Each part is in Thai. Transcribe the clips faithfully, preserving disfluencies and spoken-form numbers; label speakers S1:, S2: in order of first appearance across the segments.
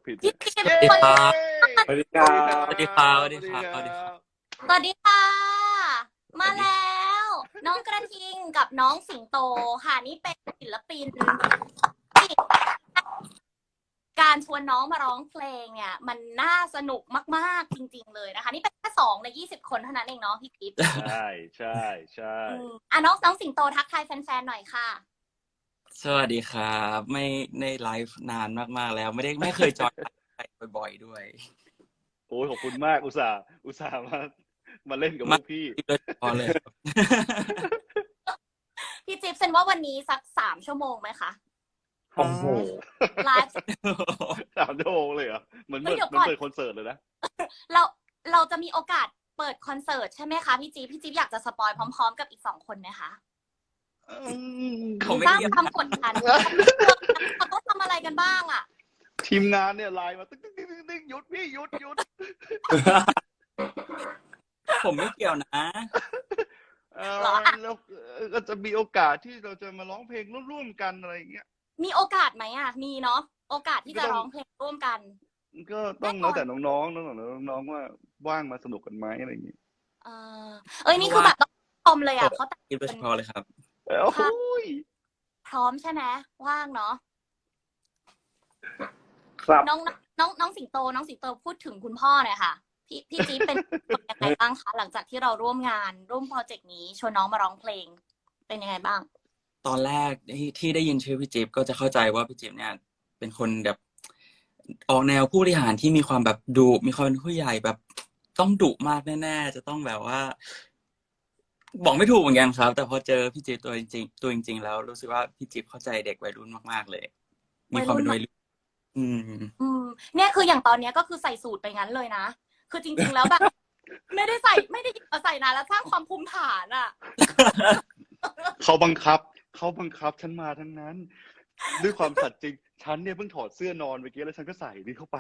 S1: ผิด
S2: พี่
S1: เนี่ย
S2: จิ๊บ
S1: เย้
S2: คน
S3: สวัสดีครับ
S2: สวัสดี
S3: ส
S2: ครั
S3: วั
S2: บ
S3: สดีครับ สวัสดีครับ
S2: สวัสดีค่ะ มาแล้ว น้องกระทิงกับน้องสิงโตค่ะนี่เป็นศิลปินที่การชวนน้องมาร้องเพลงเนี่ย มันน่าสนุกมากๆจริงๆเลยนะคะ นี่เป็นแค่สองในยี่สิบคนเท่านั้นเองเนาะพี่จิ๊บ
S1: ใช่ใช่ใช่
S2: อืมอ่ะน้องน้องสิงโตทักทายแฟนๆหน่อยค่ะ
S3: สวัสดีครับ ไม่ในไลฟ์นานมากๆแล้ว ไม่ได้ไม่เคยจอยไลฟ์บ่อยๆด้วย
S1: โอ้ยขอบคุณมากอุตส่าห์อุตส่าห์มามาเล่นกับพ
S3: มาว
S1: กพี่
S3: โดยเฉพาะเลยครับ
S2: พี่จิ๊บเซนว่าวันนี้สักสามชั่วโมงไหมคะ
S3: โอ้โห
S2: ไลฟ์
S1: สามชั่วโมงเลยเหรอเหมือน
S2: เฮ้
S1: เปิ
S2: ย
S1: ด
S2: เดี๋ยว
S1: เหมือน
S2: ก่อน
S1: เปิดคอนเสิร์ตเลยนะ
S2: เราเราจะมีโอกาสเปิดคอนเสิร์ตใช่ไหมคะพี่จิ๊บพี่จิ๊บอยากจะสปอยพร้อมๆกับอีกสองคนไหมคะ
S3: ผมไม่
S2: สร้าง
S3: เกี่ยว
S2: ความกดดันเขาต้องทำอะไรกันบ้างอ่ะ
S1: ทีมงานเนี่ยไลน์มาตึ๊กตึ๊กตึ๊กตึ๊กหยุดพี่หยุดหยุด
S3: ผมไม่เกี่ยวนะ
S1: เออ
S2: เหรอ
S1: แล้วก็จะมีโอกาสที่เราจะมาร้องเพลงร่วมๆกันอะไรอย่างเงี้ย
S2: มีโอกาสไหมอ่ะ มีเนาะโอกาสที่จะ
S1: ก็ต้อง
S2: ร้องเพลงร่วมกัน
S1: ก็ต้องแล้วแต่น้องๆแล้วแต่น้องๆว่าว่างมาสนุกกันไหมอะไรอย่างเงี้ย
S2: เออเอ้ยนี่คือแบบต้องชมเลยอ่ะเขาแต่ง
S3: คิดโดยเฉพาะเลยครับ
S1: โอ้ย
S2: พร้อมใช่ไหมว่างเนาะ
S1: ครับ
S2: น้องน้องน้องสิงโตน้องสิงโตพูดถึงคุณพ่อหน่อยค่ะ พี่พี่จี๊บเป็นยังไงบ้างคะหลังจากที่เราร่วมงานร่วมโปรเจกต์นี้ชวนน้องมาร้องเพลง เป็นยังไงบ้าง
S3: ตอนแรกที่ที่ได้ยินชื่อพี่จิ๊บก็จะเข้าใจว่าพี่จิ๊บเนี่ย เป็นคนแบบออกแนวผู้บริหารที่มีความแบบดุมีความเป็นผู้ใหญ่แบบต้องดุมากแน่ๆจะต้องแบบว่า บอกไม่ถูกเหมือนกันครับ แต่พอเจอพี่จิ๊บตัวจริงๆตัวจริงๆแล้วรู้สึกว่าพี่จิ๊บเข้าใจเด็กวัยรุ่นมากๆเลย มีความเป็นวัยรุ่นอืม
S2: อืมเนี่ยคืออย่างตอนเนี้ยก็คือใส่สูตรไปงั้นเลยนะ คือจริงๆแล้วแบบ ไม่ได้ใส่ไม่ได้เอาใส่นานแล้วสร้างความภูมิฐานอ่ะ
S1: เขาบังคับ เขาบังคับฉันมาทั้งนั้น ด้วยความสัตย์จริง ฉันเนี่ยเพิ่งถอดเสื้อนอนเมื่อกี้แล้วฉันก็ใส่นี่เข้าไป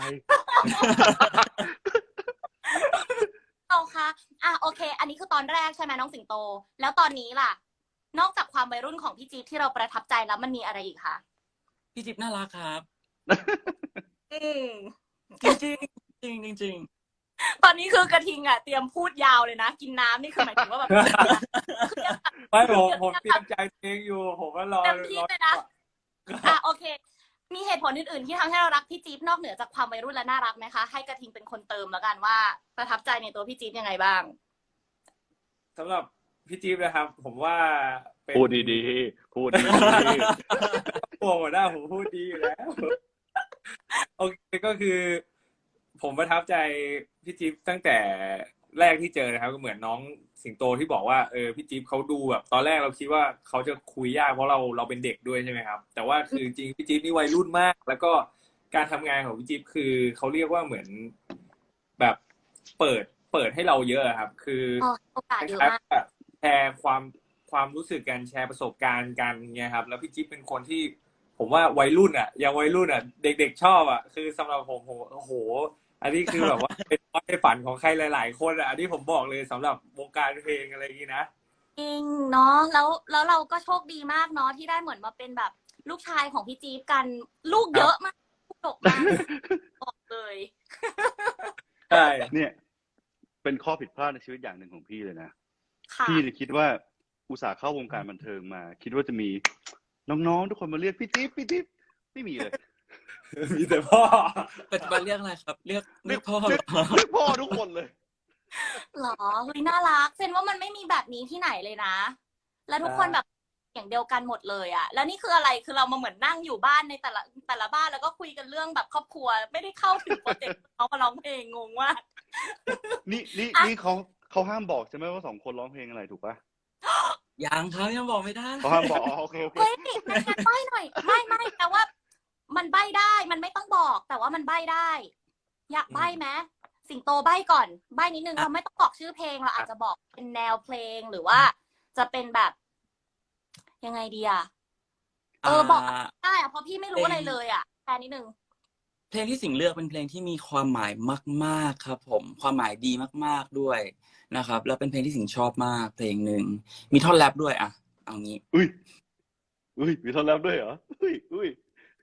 S2: เอาค่ะอ่ะโอเค อันนี้คือตอนแรกใช่ไหมน้องสิงโต แล้วตอนนี้ล่ะ นอกจากความวัยรุ่นของพี่จี๊บที่เราประทับใจแล้วมันมีอะไรอีกคะ
S3: พี่จิ๊บน่ารักครับ
S2: อืม
S3: จริงๆจริงๆจริง
S2: ตอนนี้คือกระทิงอ่ะเตรียมพูดยาวเลยนะ กินน้ำนี่คือหมายถึงว่าแบบ
S4: ไม่ผมผมเตรียมใจเพลงอยู่ ผมก็รอ
S2: เต็มที่
S4: รอ
S2: เลยนะอ่ะโอเค มีเหตุผลอื่นๆที่ทำให้เรารักพี่จี๊บนอกเหนือจากความวัยรุ่นและน่ารักไหมคะ ให้กระทิงเป็นคนเติมแล้วกันว่าประทับใจในตัวพี่จี๊บยังไงบ้าง
S4: สำหรับพี่จี๊บนะครับ ผมว่าเป็น
S1: พูดดีๆ พูดดี
S4: หัวหัวหน้าผมพูดดีอยู่แล้ว โอเคก็คือ ผมประทับใจพี่จี๊บตั้งแต่แรกที่เจอนะครับ ก็เหมือนน้องสิงโตที่บอกว่าเออพี่จี๊บเขาดูแบบ ตอนแรกเราคิดว่าเขาจะคุยยากเพราะเราเราเป็นเด็กด้วยใช่ไหมครับ แต่ว่าคือจริงๆพี่จี๊บนี่วัยรุ่นมาก แล้วก็การทำงานของพี่จี๊บคือเขาเรียกว่าเหมือนแบบเปิดเปิดให้เราเยอะครับ คือ
S2: อ๋อโอกาสเยอะมาก
S4: แชร์ความความรู้สึกกันแชร์ประสบการณ์กันเนี่ยครับ แล้วพี่จิ๊บเป็นคนที่ ผมว่าวัยรุ่นอ่ะยังวัยรุ่นอ่ะ เด็กๆชอบอ่ะคือสำหรับผมผมโอ้โห อันนี้คือแบบว่า เป็นความฝันของใครหลายๆคนอ่ะอันนี้ผมบอกเลยสำหรับวงการเพลงอะไรอย่างนี้นะ
S2: จริงเนาะแล้วแล้วเราก็โชคดีมากเนาะที่ได้เหมือนมาเป็นแบบลูกชายของพี่จี๊บกันลูกเยอะมากลูกดกมากบอกเลย
S4: ใช่
S1: ๆ เนี่ย เป็นข้อผิดพลาดในชีวิตอย่างหนึ่งของพี่เลยนะ
S2: ค่ะ
S1: พี่เลยคิดว่าอุตส่าห์เข้าวงการบันเทิงมา คิดว่าจะมีน้องๆทุกคนมาเรียกพี่จิ๊บพี่จิ๊บไม่มีเลย
S4: มีแต่พ่อ
S3: ๆปัจจุบันเรียกอะไรครับ เรียกเรียกพ่อเหร
S1: เรียก
S3: อ
S1: เรียกพ่อทุกคนเลย
S2: หรอเฮ้ยน่ารักเซนว่ามันไม่มีแบบนี้ที่ไหนเลยนะ แล้วทุกคนแบบอย่างเดียวกันหมดเลยอะแล้วนี่คืออะไรคือเรามาเหมือนนั่งอยู่บ้านในแต่ละแต่ละบ้านแล้วก็คุยกันเรื่องแบบครอบครัว ไม่ได้เข้าถึงโปรเจกต์เขามาร้องเพลงงงมาก
S1: นี่นี่นี่เขาเขาห้ามบอกใช่ไหมว่าสองคนร้องเพลงอะไรถูกปะ
S3: ยังครับยังบอกไม่ได้
S1: เขาห้ามบอกอ๋อโอเคโอเค
S2: เฮ้ยไม่งั้นใบ้หน่อยไม่ไม่แต่ว่า มันใบ้ได้มันไม่ต้องบอก แต่ว่ามันใบ้ได้ อยากใบ้ไหมสิงโตใบ้ก่อนใบ้นิดนึงเราไม่ต้องบอกชื่อเพลงเราอาจจะบอกเป็นแนวเพลงหรือว่า จะเป็นแบบ ยังไงดีอะเออบอกได้อะเพราะพี่ไม่รู้อะไรเลยอะแค่นิดนึง
S3: เพลงที่สิงห์เลือกเป็นเพลงที่มีความหมายมากๆครับ ผมความหมายดีมากๆด้วยนะครับ แล้วเป็นเพลงที่สิงห์ชอบมากเพลงหนึ่งมีท่อนแรปด้วยอ่ะเอางี้
S1: อุ้ยอุ้ยมีท่อนแรปด้วยเหรออุ้ยอุ้ย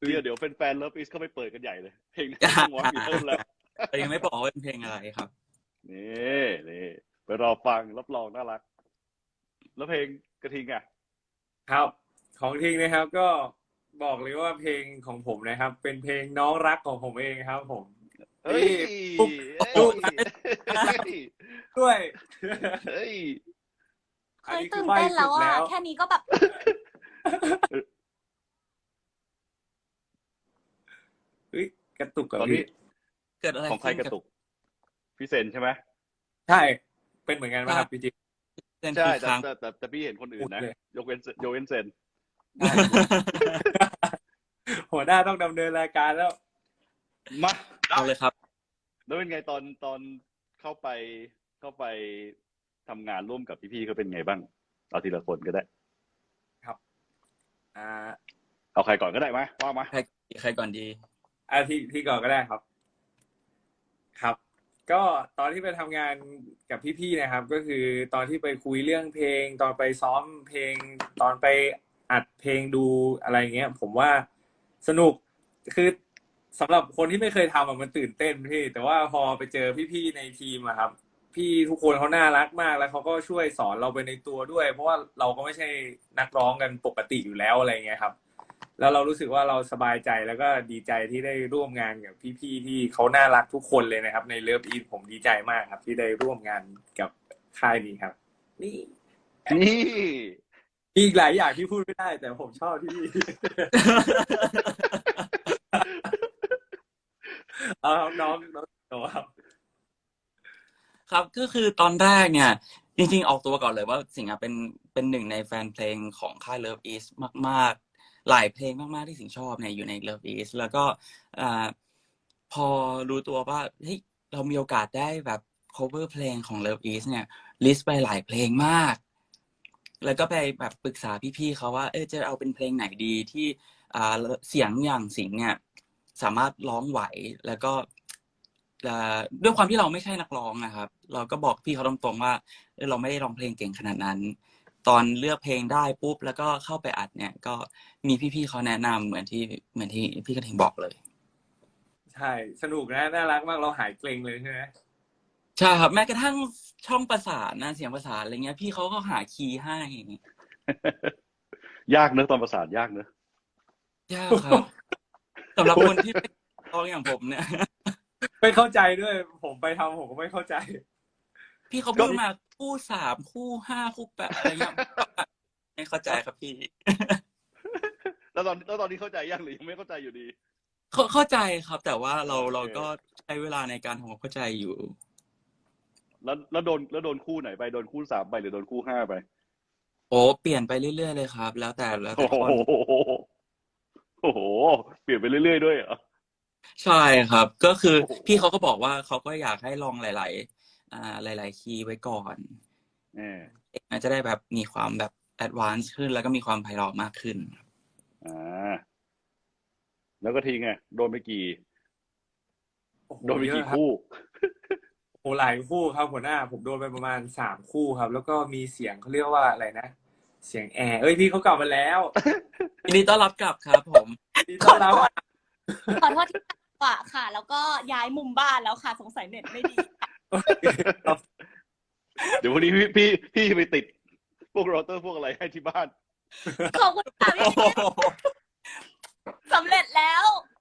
S1: เดี๋ยวเดี๋ยวแฟนๆเลิฟอีสเข้าไปเปิดกันใหญ่เลยเพลงนี้ต้องวอร์มบีเทิลแล้ว
S3: แต่ยังไม่บอกว่าเป็นเพลงอะไรครับ
S1: นี่นี่ไปรอฟังรับรองน่ารัก แล้วเพลงกระทิงอ่ะ
S4: ครับ ของทิ้งนะครับก็บอกเลยว่าเพลงของผมนะครับ เป็นเพลงน้องรักของผมเองครับ ผม
S1: เฮ้ย
S4: ปุ๊บ
S1: เฮ้ย
S4: ปุ๊บ
S1: เฮ้ย
S4: ด้วย
S1: เฮ้ย
S2: เคยตื่นเต้นแล้วอ่ะแค่นี้ก็แบบ
S4: เฮ้ยกระตุกกับ
S1: ตอนนี้
S4: พี่
S3: เกิดอะไร
S1: ของใคร
S3: ขึ้น
S1: กระตุกพี่เซนใช่ไหม
S4: ใช่เป็นเหมือนกันไหมครับพี่จิ๊บ
S3: เส้น
S1: ใช่
S3: กี่
S1: แต่
S3: ครั้ง
S1: แต่แต่แต่พี่เห็นคนอื่นนะ
S4: พูดเลย
S1: ยกเว้นยกเว้นเซน
S4: หัวหน้าต้องดำเนินรายการแล้ว
S1: มา
S3: เอาเลยครับ
S1: แล้วเป็นไงตอนตอนเข้าไปเข้าไปทำงานร่วมกับพี่ๆเขาเป็นไงบ้างเอาทีละคนก็ได้
S4: อ่า
S1: เอาใครก่อนก็ได้ไหมว่ามา
S3: ใครใครก่อนดี
S4: อาที่ที่ก่อนก็ได้ครับ ครับ ก็ตอนที่ไปทำงานกับพี่ๆนะครับ ก็คือตอนที่ไปคุยเรื่องเพลง ตอนไปซ้อมเพลง ตอนไปอัดเพลงดูอะไรเงี้ย ผมว่าสนุกคือสำหรับคนที่ไม่เคยทำอะมันตื่นเต้นพี่แต่ว่าพอไปเจอพี่ๆในทีมอะครับ พี่ทุกคนเขาน่ารักมากแล้วเขาก็ช่วยสอนเราไปในตัวด้วย เพราะว่าเราก็ไม่ใช่นักร้องกันปกติอยู่แล้วอะไรเงี้ยครับ แล้วเรารู้สึกว่าเราสบายใจแล้วก็ดีใจที่ได้ร่วมงานกับพี่ๆที่เขาน่ารักทุกคนเลยนะครับ ในเลิฟอีทผมดีใจมากครับ ที่ได้ร่วมงานกับค่ายนี้ครับ นี่
S1: นี่
S4: มีอีกหลายอย่างที่พูดไม่ได้ แต่ผมชอบที่ เอาครับน้องน้องโตครับ
S3: ครับก็คือตอนแรกเนี่ย จริงๆออกตัวก่อนเลยว่าสิงห์อะเป็นเป็นหนึ่งในแฟนเพลงของค่าย Love East มากๆ หลายเพลงมากๆที่สิงห์ชอบเนี่ยอยู่ใน Love East แล้วก็อ่าพอรู้ตัวว่าเฮ้ยเรามีโอกาสได้แบบ cover เพลงของ Love East เนี่ยลิสต์ไปหลายเพลงมาก แล้วก็ไปแบบปรึกษาพี่ๆเขาว่าเออจะเอาเป็นเพลงไหนดีที่อ่าเสียงอย่างสิงห์เนี่ยสามารถร้องไหวแล้วก็อ่าด้วยความที่เราไม่ใช่นักร้องนะครับ เราก็บอกพี่เขาตรงๆว่าเออเราไม่ได้ร้องเพลงเก่งขนาดนั้น ตอนเลือกเพลงได้ปุ๊บแล้วก็เข้าไปอัดเนี่ย ก็มีพี่ๆเขาแนะนำเหมือนที่เหมือนที่พี่กระทิงบอกเลย
S4: ใช่สนุกนะน่ารักมากเราหายเกรงเลยใช่ไหม
S3: ใช่ครับแม้กระทั่งช่องประสานนะเสียงประสานอะไรเงี้ย พี่เขาก็หาคีย์ให้
S1: ยากเนอะตอนประสานยากเนอะ
S3: ยากครับสำหรับคนที่ไม่ร้องอย่างผมเนี่ย
S4: ไม่เข้าใจด้วย ผมไปทำผมก็ไม่เข้าใจ
S3: พี่เขาพูดมาคู่สามคู่ห้าคู่แปดอะไรเงี้ยไม่เข้าใจครับพี่
S1: แล้วตอนแล้วตอนนี้เข้าใจยังหรือยังไม่เข้าใจอยู่ดี
S3: เข้าเข้าใจครับ แต่ว่าเรา
S1: โอเค
S3: เราก็ใช้เวลาในการทำความเข้าใจอยู่
S1: แล้วแล้วโดนแล้วโดนคู่ไหนไปโดนคู่สามไปหรือโดนคู่ห้าไป
S3: โอ้เปลี่ยนไปเรื่อยๆเลยครับ แล้วแต่แล้ว
S1: โอ้
S3: แต่
S1: โห
S3: คน
S1: โอ้โหเปลี่ยนไปเรื่อยๆด้วยเหรอ
S3: ใช่ครับ ก็คือ
S1: โอ้โห
S3: พี่เขาก็บอกว่าเขาก็อยากให้ลองหลาย ๆ อ่าหลาย ๆ คีย์ไว้ก่อน
S1: เออ
S3: มันจะได้แบบมีความแบบแอดวานซ์ขึ้นแล้วก็มีความไพเราะมากขึ้น
S1: อ่าแล้วก็ทิ้งไงโดนไปกี่
S4: โอ้โห
S1: โดนไป
S4: เย
S1: กี่
S4: อะครับ
S1: คู่
S4: โอ้หลายคู่ครับหัวหน้า ผมโดนไปประมาณสามคู่ครับ แล้วก็มีเสียงเขาเรียกว่าอะไรนะ เสียงแอร์เอ้ยพี่เขากลับมาแล้ว
S3: ยินดีต้อนรับกลับครับผม
S4: ดีต้อนรับอ่ะ
S2: ขอโทษที่กว่าค่ะ แล้วก็ย้ายมุมบ้านแล้วค่ะ สงสัยเน็ตไม่ดี
S1: เดี๋ยววันนี้พี่พี่พี่ไปติดพวกเราเตอร์พวกอะไรให้ที่บ้าน
S2: ขอบคุณค่ะพี่สำเร็จแล้ว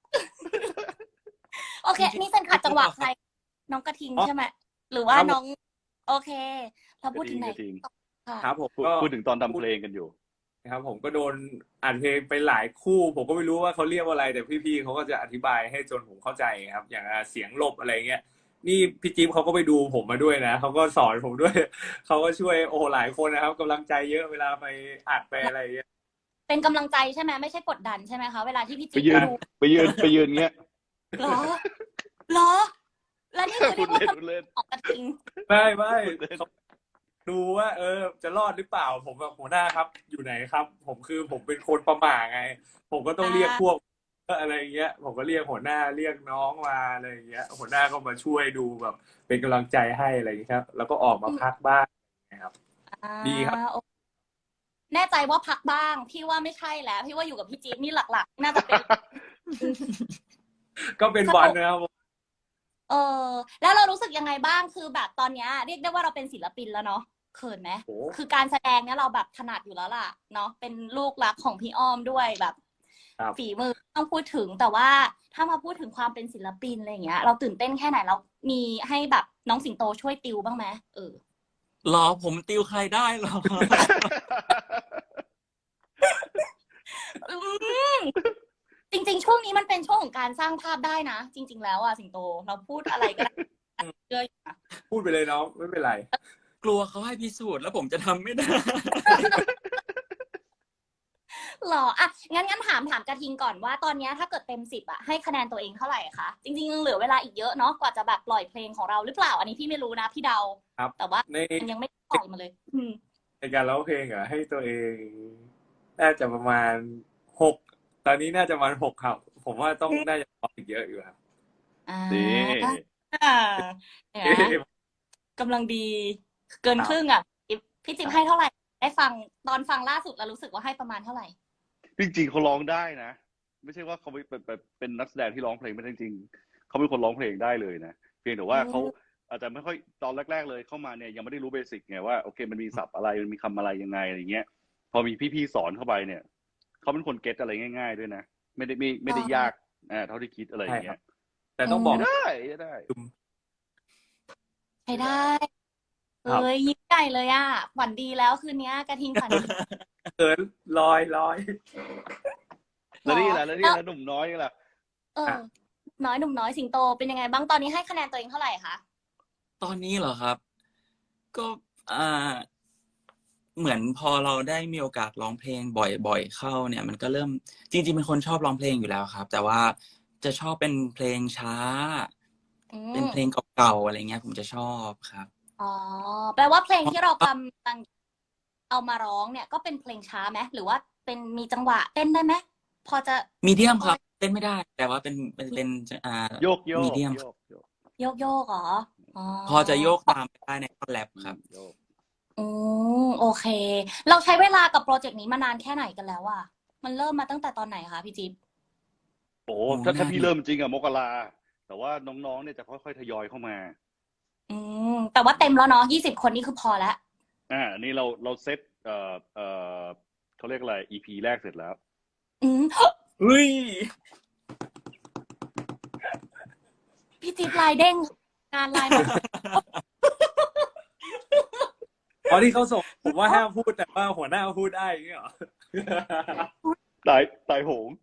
S2: โอเค นี่เป็นขัดจังหวะใคร น้องกระทิงใช่ไหมหรือว่าน้อง โอเค เราพูดถึงไหน
S1: กระทิง
S2: ค่ะ
S4: ครับผม
S1: พูด
S4: ก็
S1: พูดถึงตอนทำเพลงกันอยู่
S4: ครับผมก็โดนอ่านเพลงไปหลายคู่ ผมก็ไม่รู้ว่าเขาเรียกว่าอะไร แต่พี่ๆเขาก็จะอธิบายให้จนผมเข้าใจครับ อย่างอ่ะเสียงหลบอะไรเงี้ยนี่พี่จิ๊บเขาก็ไปดูผมมาด้วยนะเขาก็สอนผมด้วย เขาก็ช่วยโอ้หลายคนนะครับกำลังใจเยอะเวลาไปอัดไปอะไรเงี้ย
S2: เป็นกำลังใจใช่ไหมไม่ใช่กดดันใช่ไหมคะเวลาที่พี่
S1: ไป
S2: จิ๊บ
S1: ยืน
S2: ดู
S1: ไปยืนไปยืนเงี้ย
S2: เหรอเหรอ แล้วนี่คือ
S1: พู
S2: เรี
S1: ด
S2: ยกว่า
S1: เล่นพูดเล่น
S2: ของกระทิง
S4: ไม่ไม่
S1: พูดเล่น
S4: เขาดูว่า เออ จะรอดหรือเปล่า ผมแบบหัวหน้าครับ อยู่ไหนครับ ผมคือผมเป็นคนประหม่าไง ผมก็ต้องเรียกพวกอะไรเงี้ย ผมก็เรียกหัวหน้าเรียกน้องมาอะไรเงี้ย หัวหน้าก็มาช่วยดูแบบ เป็นกำลังใจให้อะไรอย่างเงี้ยครับ แล้วก็ออกมาพักบ้างนะครับ ดีครับ
S2: อ่าโอแน่ใจว่าพักบ้าง พี่ว่าไม่ใช่แล้ว พี่ว่าอยู่กับพี่จี๊ดนี่หลักๆ น่าจะเป็น
S4: ก็เป็นวันนะครับผม
S2: เออ แล้วเรารู้สึกยังไงบ้างคือแบบตอนเนี้ยเรียกได้ว่าเราเป็นศิลปินแล้วเนาะเขินไหม
S4: โอ้
S2: คือการแสดงเนี้ยเราแบบถนัดอยู่แล้วล่ะเนาะเป็นลูกรักของพี่อ้อมด้วยแบบ
S4: ครับ
S2: ฝีมือต้องพูดถึงแต่ว่าถ้ามาพูดถึงความเป็นศิลปินอะไรอย่างเงี้ย เราตื่นเต้นแค่ไหนเรามีให้แบบน้องสิงโตช่วยติวบ้างไหมเออ
S3: รอผมติวใครได้หรอ
S2: อืมจริงๆ ช่วงนี้มันเป็นช่วงของการสร้างภาพได้นะ จริง ๆ แล้วอ่ะสิงโตเราพูดอะไรก็ได้เชื่ออยู่นะ
S4: พูดไปเลยน้องไม่เป็นไร
S3: กลัวเขาให้พิสูจน์แล้วผมจะทำไม่ได้
S2: หรออ่ะงั้นงั้นถามถามกระทิงก่อนว่าตอนเนี้ยถ้าเกิดเต็มสิบอ่ะให้คะแนนตัวเองเท่าไหร่คะจริงๆยังเหลือเวลาอีกเยอะเนาะกว่าจะแบบปล่อยเพลงของเราหรือเปล่า อันนี้พี่ไม่รู้นะพี่เดา
S4: ครับ
S2: แต่ว่า
S4: ใน
S2: มันยังไม่ปล่อยมาเลย อืม
S4: ในการร้องเพลงอ่ะให้ตัวเองน่าจะประมาณหกตอนนี้น่าจะประมาณหกครับ ผมว่าต้องน่าจะร้องอีกเยอะอยู่ครับ
S2: อ่า
S1: นี่
S2: อ่าเนี่ยกำลังดีเกินครึ่งอ่ะพี่จิ๊บให้เท่าไหร่ได้ฟังตอนฟังล่าสุดแล้วรู้สึกว่าให้ประมาณเท่าไหร่
S1: จริงๆเขาร้องได้นะ ไม่ใช่ว่าเขาเป็นเป็นเป็นนักแสดงที่ร้องเพลงไม่ได้จริงๆเขาเป็นคนร้องเพลงได้เลยนะเพียงแต่ว่า
S2: อืม
S1: เขาอาจจะไม่ค่อยตอนแรก ๆ เลยเข้ามาเนี่ยยังไม่ได้รู้เบสิกไงว่าโอเคมันมีศัพท์อะไรมันมีคำอะไรยังไงอะไรเงี้ย พอมีพี่ๆสอนเข้าไปเนี่ยเขาเป็นคนเก็ตอะไรง่าย ๆ ด้วยนะไม่ได้ไม่ไม่ได้ยากอ่าเท่าที่คิดอะไรอย่างเงี้ย
S4: แต่ต้องบอก
S1: ได้ได้
S2: ใช้ได้
S4: ครับ
S2: เอ้ยยิ้มใหญ่เลยอ่ะฝันดีแล้วคืนนี้กระทิงฝันดี
S4: เขินลอยลอย
S1: แล้วนี่แหละแล้วนี่
S2: แล้ว
S1: แหละหนุ่มน้อยนี่แหละ
S2: เออ น้อยหนุ่มน้อยสิงโตเป็นยังไงบ้างตอนนี้ให้คะแนนตัวเองเท่าไหร่คะ
S3: ตอนนี้เหรอครับ ก็อ่า เหมือนพอเราได้มีโอกาสร้องเพลงบ่อยๆเข้าเนี่ย มันก็เริ่มจริงๆเป็นคนชอบร้องเพลงอยู่แล้วครับ แต่ว่าจะชอบเป็นเพลงช้า
S2: อื
S3: เป็น
S2: ม
S3: เพลงเก่าๆอะไรเงี้ย ผมจะชอบครับ
S2: อ๋อแปลว่าเพลงที่เรากำลังเอามาร้องเนี่ยก็เป็นเพลงช้าไหมหรือว่าเป็นมีจังหวะเต้นได้ไหมพอจะ
S3: มีเดียมครับเต้นไม่ได้ แต่ว่าเป็นเป็นเป็นอ่า
S1: โยกโยก
S3: มีเดียม
S1: โยกโยก
S2: โยกโยกเหรออ๋อ
S3: พอจะโยกตามไปได้ในท่อนแรปครับ
S1: โยก
S2: อืมโอเค เราใช้เวลากับโปรเจกต์นี้มานานแค่ไหนกันแล้วอะมันเริ่มมาตั้งแต่ตอนไหนคะพี่จิ๊บ
S1: โอ้
S3: โอ้
S1: ถ้าถ้า
S3: น่า
S1: พี่
S3: ดี
S1: เริ่มจริงอะมกราแต่ว่าน้องๆเนี่ยจะค่อยๆทยอยเข้ามา
S2: อืมแต่ว่าเต็มแล้วเนาะยี่สิบคนนี่คือพอแล้ว
S1: อ่าอันนี้เราเราเซตเอ่อเอ่อเขาเรียกอะไร อี พี แรกเสร็จแล้ว
S2: อืม
S3: เฮ้ย
S2: พี่จิ๊บลายเด้งงานลายมา
S4: ตอนที่เขาส่งผมว่าห้ามพูดแต่ว่าหัวหน้าพูดได้อย่างเงี้ยเหรอ
S1: ตายตายโหง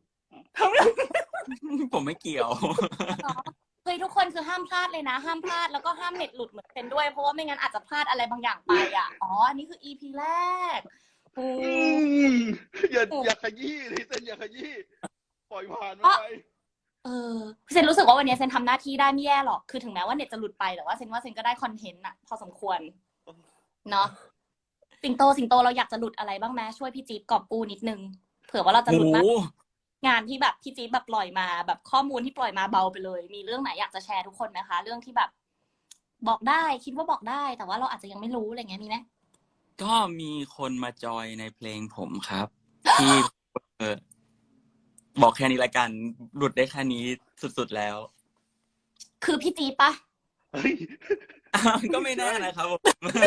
S3: ผมไม่เกี่ยว
S2: เฮ้ยทุกคนคือห้ามพลาดเลยนะ ห้ามพลาดแล้วก็ห้ามเน็ตหลุดเหมือนเป็นด้วยเพราะว่าไม่งั้นอาจจะพลาดอะไรบางอย่างไปอ่ะอ๋ออันนี้คือ อี พี แรกโอ้
S1: อืมอย่าอย่าขยี้เลยเซนอย่าขยี้ปล่อยผ่านมันไป
S2: เออเซนรู้สึกว่าวันนี้เซนทำหน้าที่ได้ไม่แย่หรอกคือถึงแม้ว่าเน็ตจะหลุดไปแต่ว่าเซนว่าเซนก็ได้คอนเทนต์อะพอสมควรเนาะสิงโตสิงโตเราอยากจะหลุดอะไรบ้างไหมช่วยพี่จี๊บกอบกู้นิดนึงเผื่อว่าเราจะห
S3: โอ้
S2: ลุด
S3: โห
S2: มากงานที่แบบพี่จี๊บแบบปล่อยมาแบบข้อมูลที่ปล่อยมาเบาไปเลย มีเรื่องไหนอยากจะแชร์ทุกคนไหมคะ เรื่องที่แบบ บอกได้คิดว่าบอกได้ แต่ว่าเราอาจจะยังไม่รู้อะไรเงี้ยมีไหม
S3: ก็มีคนมาจอยในเพลงผมครับ ที่เออบอกแค่นี้ละกัน หลุดได้แค่นี้สุดๆแล้ว
S2: คือพี่จี๊บปะ
S1: เฮ้ย
S3: ก็ไม่แน่นะครับผม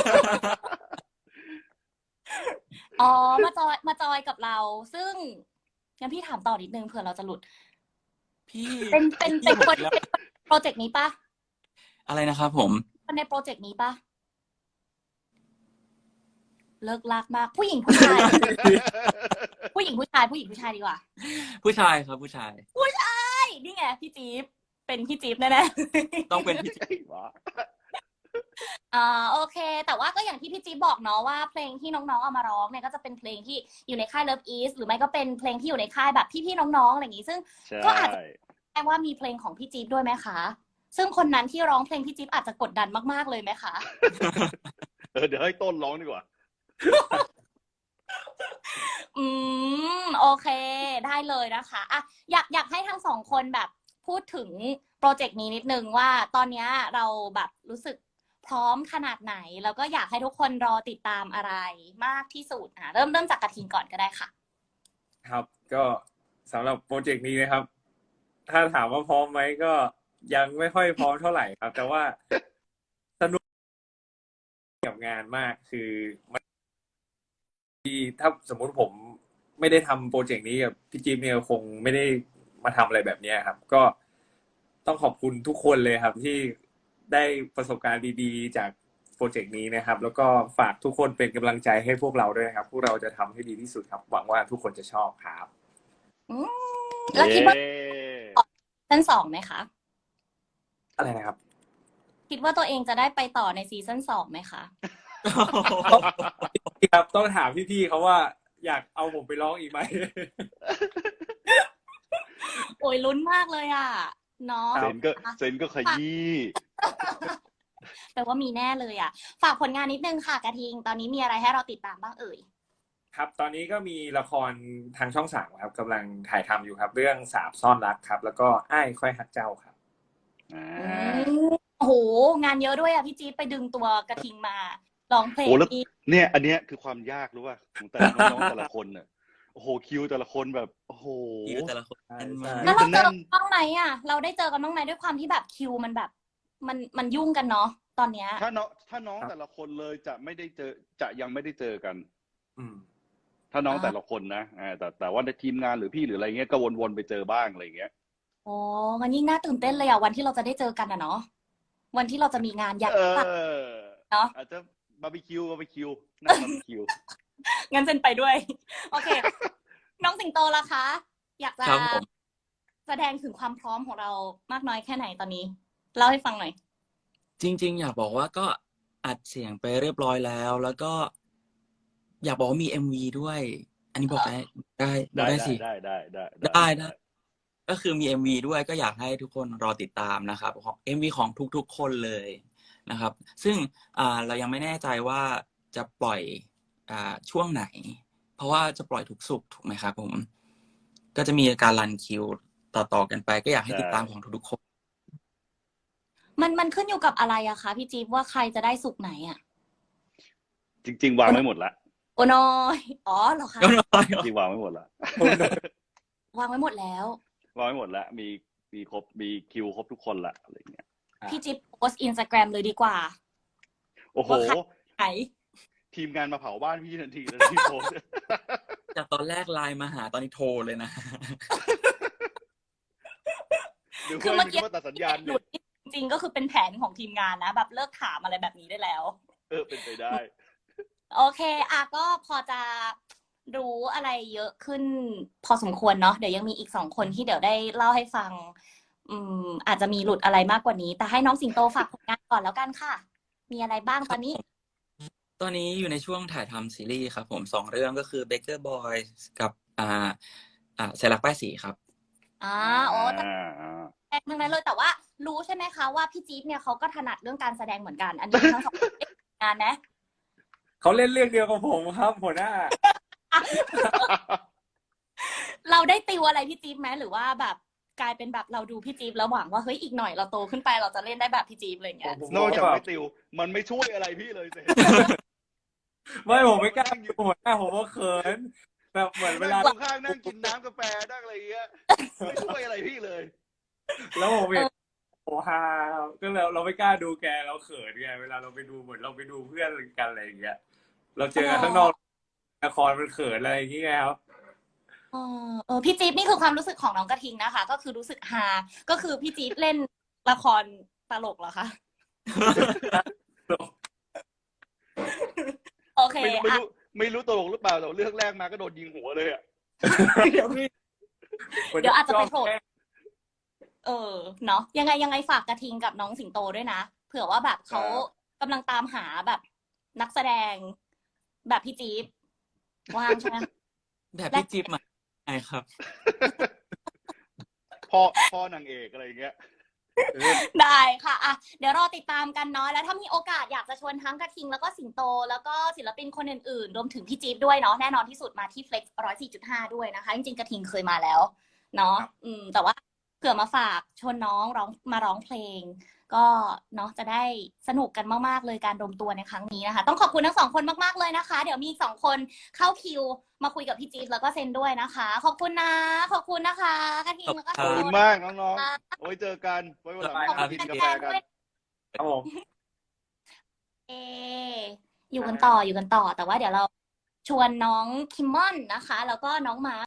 S2: อ๋อมาจอยมาจอยกับเรา ซึ่งงั้นพี่ถามต่อนิดนึงเผื่อเราจะหลุด
S3: พี่
S2: เป็นเป็นเป็นคนเป็นโปรเจกต์นี้ปะ
S3: อะไรนะครับผม
S2: คนในโปรเจกต์นี้ปะเลิกลากมาก ผู้หญิงผู้ชาย ผู้หญิงผู้ชายผู้หญิงผู้ชายดีกว่า
S3: ผู้ชายครับผู้ชาย
S2: ใช่นี่ไงพี่จี๊บเป็นพี่จี๊บแน่ๆ
S3: ต้องเป็นพี่
S1: ไอ้หวะ
S2: อ่าโอเค แต่ว่าก็อย่างที่พี่จี๊บบอกเนาะว่าเพลงที่น้องๆเอามาร้องเนี่ยก็จะเป็นเพลงที่อยู่ในค่าย Love East หรือไม่ก็เป็นเพลงที่อยู่ในค่ายแบบพี่ๆน้องๆอะไรอย่างงี้ซึ่ง
S1: ใช่
S2: ก็อาจจะแปลว่ามีเพลงของพี่จี๊บด้วยไหมคะ ซึ่งคนนั้นที่ร้องเพลงพี่จี๊บอาจจะกดดันมากๆเลยไหมคะ
S1: เออเดี๋ยวให้ต้นร้องดีกว่า
S2: อืมโอเค ได้เลยนะคะอ่ะอยากอยากให้ทั้งสองคนแบบพูดถึงโปรเจกต์นี้นิดนึงว่าตอนนี้เราแบบรู้สึกพร้อมขนาดไหน แล้วก็อยากให้ทุกคนรอติดตามอะไรมากที่สุดอ่ะเริ่มเริ่มจากกระทิงก่อนก็ได้ค่ะ
S4: ครับ ก็สำหรับโปรเจกต์นี้นะครับถ้าถามว่าพร้อมไหมก็ยังไม่ค่อยพร้อมเท่าไหร่ครับ แต่ว่าสนุกกับงานมากคือมันถ้าสมมุติผมไม่ได้ทำโปรเจกต์นี้กับพี่จิ๊บเนี่ยคงไม่ได้มาทำอะไรแบบเนี้ยครับ ก็ต้องขอบคุณทุกคนเลยครับ ที่ได้ประสบการณ์ดีๆ จากโปรเจกต์นี้นะครับ แล้วก็ฝากทุกคนเป็นกำลังใจให้พวกเราด้วยนะครับ พวกเราจะทำให้ดีที่สุดครับ หวังว่าทุกคนจะชอบครับ
S2: อืมแล้วคิดว่า
S1: เย้
S2: ซีซั่นสองไหมคะ
S4: อะไรนะครับ
S2: คิดว่าตัวเองจะได้ไปต่อในซีซั่นสองไหมคะ
S4: ครับต้องถามพี่ๆเขาว่าอยากเอาผมไปร้องอีกไหม
S2: โอ้ยลุ้นมากเลยอ่ะเนาะ
S1: เซนก็เซนก็ขยี้
S2: แปลว่ามีแน่เลยอ่ะ ฝากผลงานนิดนึงค่ะกระทิง ตอนนี้มีอะไรให้เราติดตามบ้างเอ่ย
S4: ครับ ตอนนี้ก็มีละครทางช่องสามครับกำลังถ่ายทำอยู่ครับ เรื่องสาบซ่อนรักครับ แล้วก็อ้ายค่อยฮักเจ้าครับ
S1: อ่า
S2: อืมโอ้โห งานเยอะด้วยอ่ะพี่จี๊ดไปดึงตัวกระทิงมาร้องเพลง
S1: โอ้แล้ว
S2: อีก
S1: เนี่ย อันเนี้ยคือความยากรู้ป่ะของแต่ละน้องๆแต่ละคนน่ะโอ้โหคิวแต่ละคนแบบโอ้โห
S3: คิวแต่ละคนแน่นมาก
S2: แล้วเราเจอ
S1: แน่
S2: กัน นบ้างไหมอ่ะ เราได้เจอกันบ้างไหมด้วยความที่แบบคิวมันแบบ มันมันยุ่งกันเนาะตอนเนี้ย
S1: ถ้าน้องถ้าน้อง
S4: ครับ
S1: แต่ละคนเลยจะไม่ได้เจอจะยังไม่ได้เจอกัน
S4: อืม
S1: ถ้าน้อง
S2: อ่า
S1: แต่ละคนนะอ่าแต่แต่ว่าในทีมงานหรือพี่หรืออะไรเงี้ยก็วนๆไปเจอบ้างอะไรเงี้ย
S2: โอ้มันยิ่งน่าตื่นเต้นเลยอ่ะวันที่เราจะได้เจอกันอ่ะเนาะวันที่เราจะมีงานใหญ่
S1: เอ
S2: มาก
S1: อ
S2: เนาะ
S1: อาจจะบาร์บีคิวบาร์บีคิวนั่งบาร์บีคิว
S2: งั้นเซนไปด้วย โอเค น้องสิงโตล่ะคะ อยากจะ
S3: ครับผม
S2: แสดงถึงความพร้อมของเรามากน้อยแค่ไหนตอนนี้เล่าให้ฟังหน่อย
S3: จริง ๆ อยากบอกว่าก็อัดเสียงไปเรียบร้อยแล้ว แล้วก็ อยากบอกว่ามี เอ็ม วี ด้วย อันนี้บอกได้ได้บอก
S1: ได้
S3: ได้
S1: ได้
S3: สิ
S1: ได้ได้ได้
S3: ได้ได้ ก็คือมี เอ็ม วี ด้วยก็อยากให้ทุกคนรอติดตามนะครับของ เอ็ม วี ของทุกๆ คนเลยนะครับ ซึ่งอ่าเรายังไม่แน่ใจว่าจะปล่อยอ่าช่วงไหน เพราะว่าจะปล่อยทุกศุกร์ถูกไหมครับผม ก็จะมีการรันคิวต่อๆกันไป ก็อยากให้ติดตามของทุกๆคน
S2: มันมันขึ้นอยู่กับอะไรอะคะพี่จี๊บว่าใครจะได้สุกไหนอะ
S1: จริง ๆ วางไว้หมดละ
S2: โอ้น้อยอ๋อเหรอคะ
S3: ก็น้อย
S1: จริงๆวางไว้หมดละ
S2: วางไว้หมดแล้ว
S1: วางไว้หมดละมีมีครบมีคิวครบทุกคนละอะไรเงี้ย
S4: อ่ะ
S2: พี่จิ๊บโพสอินสตาแกรมเลยดีกว่า
S1: โอ้โห
S2: ว่าใคร ไหน
S1: ทีมงานมาเผาบ้านพี่ทันทีเลยที่โพสต์
S3: จากตอนแรกไลน์มาหาตอนนี้โทรเลยนะ
S1: หรือ
S2: คือ
S1: ว่า
S2: เมื่อกี้
S1: หรือว่าตัดสัญญาณ
S2: หลุ
S1: เนี่ย
S2: ดจริงๆก็คือเป็นแผนของทีมงานนะ แบบเลิกถามอะไรแบบนี้ได้แล้ว
S1: เออเป็นไปได้
S2: โอเคอ่ะก็พอจะรู้อะไรเยอะขึ้น พอสมควรเนาะเดี๋ยวยังมีอีกสองคนที่เดี๋ยวได้เล่าให้ฟัง อืม อาจจะมีหลุดอะไรมากกว่านี้ แต่ให้น้องสิงโตฝากผลงานก่อนแล้วกันค่ะ มีอะไรบ้างตอนนี้
S3: ตอนนี้อยู่ในช่วงถ่ายทำซีรีส์ครับผมสองเรื่องก็คือ Baker Boys กับอ่าอ่าสายลักป้ายสีครับ
S2: อ่าโอ้แต่
S1: อ่าอ่า
S2: แสดงทั้งนั้นเลยแต่ว่ารู้ใช่ไหมคะว่าพี่จี๊บเนี่ยเขาก็ถนัดเรื่องการแสดงเหมือนกัน อันนี้ทั้งสองคนได้ทำงานนะ
S4: เขาเล่นเรื่องเดียวกับผมครับหัวหน้า
S2: เราได้ติวอะไรพี่จี๊บไหมหรือว่าแบบกลายเป็นแบบเราดูพี่จี๊บแล้วหวังว่าเฮ้ยอีกหน่อยเราโตขึ้นไปเราจะเล่นได้แบบพี่จี๊บอะไรอย่างเงี้ย
S4: ผม
S1: นอกจาก
S4: แบบ
S1: ไม่ติว มันไม่ช่วยอะไรพี่เลยเสร็จ
S4: ไม่ผมไม่กล้าดูหัวหน้าผมว่าเขินแบบเหมือนเวลา
S1: นั่งข้างๆนั่งกินน้ำกาแฟนั่งอะไรอย่างเงี้ยไม่ช่วยอะไรพี่เลย
S4: แล้วผมเห็นโอ้ฮาก็เราเราไม่กล้าดูแกเราเขินไงเวลาเราไปดูเหมือนเราไปดูเพื่อนกันอะไรอย่างเงี้ยเราเจอกันข้างนอกละครมันเขินอะไรอย่างเงี้ยครับ
S2: เออเออพี่จี๊บนี่คือความรู้สึกของน้องกระทิงนะคะ ก็คือรู้สึกฮาก็คือพี่จี๊บเล่นละครตลกเหรอคะโอเค
S1: ไม่รู้ไม่
S2: อ่ะ
S1: รู้ไม่รู้ตลกหรือเปล่าแต่เรื่องแรกมาก็โดนยิงหัวเลยอ่ะ
S2: เดี๋ยวเดี๋ยวอาจจะไปโผล่เออเนาะยังไงยังไงฝากกระทิงกับน้องสิงโตด้วยนะเผื่อว่าแบบเขากำลังตามหาแบบนักแสดง แบบพี่จี๊บว่างใช่ไหม
S3: แบบพี่จิ๊บมาใช่ครับ
S1: พ่อพ่อนางเอกอะไรอย่างเงี้ย
S2: ได้ค่ะอ่ะ เดี๋ยวรอติดตามกันเนาะแล้วถ้ามีโอกาสอยากจะชวนทั้งกระทิงแล้วก็สิงโต แล้วก็ศิลปินคนอื่นๆ รวมถึงพี่จี๊บด้วยเนาะแน่นอนที่สุดมาที่ Flex หนึ่งร้อยสี่จุดห้าด้วยนะคะ จริงๆกระทิงเคยมาแล้วเนาะอืมแต่ว่าเผื่อมาฝากชวนน้องร้องมาร้องเพลงก็เนาะจะได้สนุกกันมากๆเลยการรวมตัวในครั้งนี้นะคะ ต้องขอบคุณทั้งสองคนมากๆเลยนะคะ เดี๋ยวมีอีกสองคนเข้าคิวมาคุยกับพี่จี๊ดแล้วก็เซนด้วยนะคะ ขอบคุณนะขอบคุณนะคะกระทิงแล้วก็
S1: ขอบคุณ
S2: โซ
S1: มากน้องๆโอ้ยเจอกันไว้วันหลัง
S2: ขอบ
S1: มา
S2: คุณ
S1: กินกา
S2: แฟ
S1: แฟ
S2: นๆ
S1: กัน
S2: ด้วย
S4: ครับผม
S2: เออยู่กันต่ออยู่กันต่อ แต่ว่าเดี๋ยวเราชวนน้องคิมมอนนะคะ แล้วก็น้องมา